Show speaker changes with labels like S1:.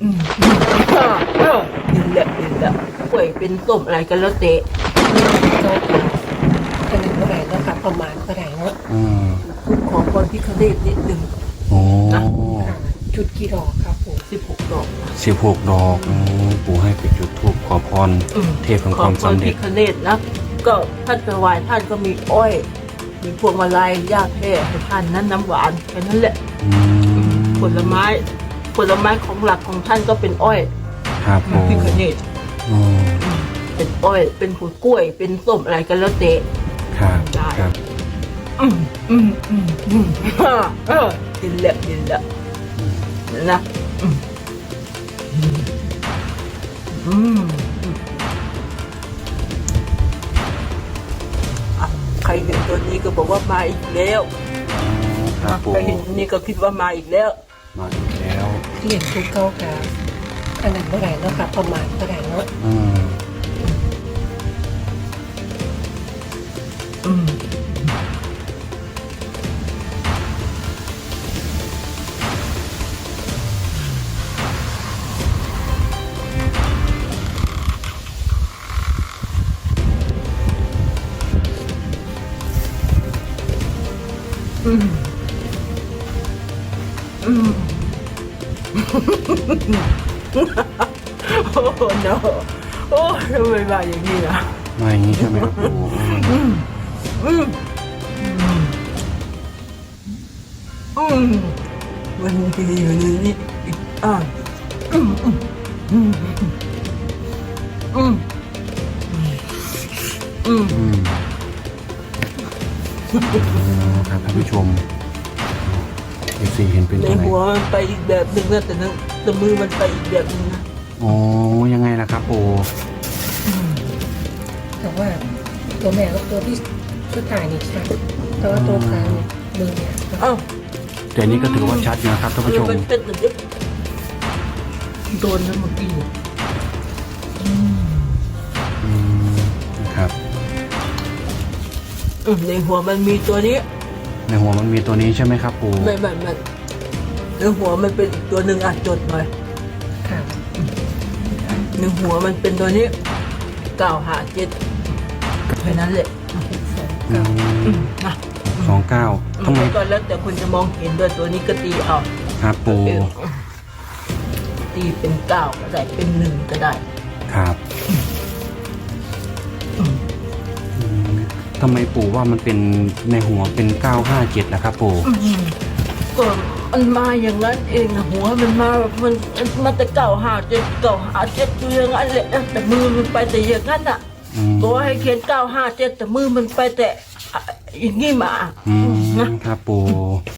S1: อืมกินแล้วป่วยเป็นต้มอะไรกันแล้วเตะ
S2: ก็เป็นเท่าไหร่แล้วค่ะประมาณเท่าไหร่เนาะ
S1: ขอพรพิฆเนศนิดหนึ่ง
S3: โอ้
S2: จุดกี่ดอกครับผม
S1: 16 ดอก
S3: 16 ดอกปู่ให้ไปจุดธูปขอพรเทพแห่งความสำเร็จ
S1: ขอพรพิฆเนศนะก็ท่านถวายท่านก็มีอ้อยมีพวงมาลัยยาแพร่ให้ท่านนั้นน้ำหวานแค่นั้นแหละผลไม้ของหลักของท่านก็เป็นอ้อย
S3: ครับ
S1: พิฆเนศเป็นอ้อยเป็นผลกล้วยเป็นส้มอะไรกันแล้วเตะ
S3: ครับครับ
S1: กินแล้วนะใครเห็นตัวนี้ก็บอกว่ามาอีกแล้วใครเห็นนี่ก็คิดว่ามาอีกแล้ว
S2: เหรียญทุกเก้าค่ะขนาดเท่าไหร่แล้วค่ะประมาณเท่าไหร่เนาะ
S1: โอ้โหเนาะโอ้ทำไมมาอย่างนี้ล่ะ
S3: มาอย่างนี้ใช่ไหมครับปู่
S1: วันนี้
S3: ครับท่านผู้ชมFC เห็นเป็น
S1: ใน
S3: อะไร
S1: หัวมันไปอีกแบบหนึ่งนะแต่มือมันไปอีกแบบหนึ่งนะ
S3: อ๋อยังไงล่ะครับปู่
S2: แต่ว่าตัวแม่กับตัวที่ชุดถ่ายนี่ชัดแต่ว่าตัวกลางมือเนี่ย
S3: แต่นี้ก็ถือว่าชัดนะครับท่านผู้ชม
S1: โดนนะเมื่อกี้
S3: นะครับ
S1: ในหัวมันมีตัวนี้
S3: ในหัวมันมีตัวนี้ใช่ไหมครับปู่
S1: ไม่ในหัวมันเป็นอีกตัวหนึ่งจดหน่อย
S2: ค่ะ
S1: ในหัวมันเป็นตัวนี้957แค่นั้นแหละ
S3: 29ทำไม
S1: ก็แล้วแต่คุณจะมองเห็นด้วยตัวนี้ก็ตีเอา
S3: ครับปู่
S1: ตีเป็น9ก็ได้เป็น1ก็ได้
S3: ครับทำไมปู่ว่ามันเป็นในหัวเป็น957ล่ะครับปู่
S1: ก็มันมาอย่างนั้นเองนะหัวมันมาแต่957อยู่อย่างนั้นแหละแต่มือมันไปแต่อย่างนั้นอ่ะตัวให้เขียน957แต่มือมันไปแต่อย่างนี้มา
S3: นะครับปู่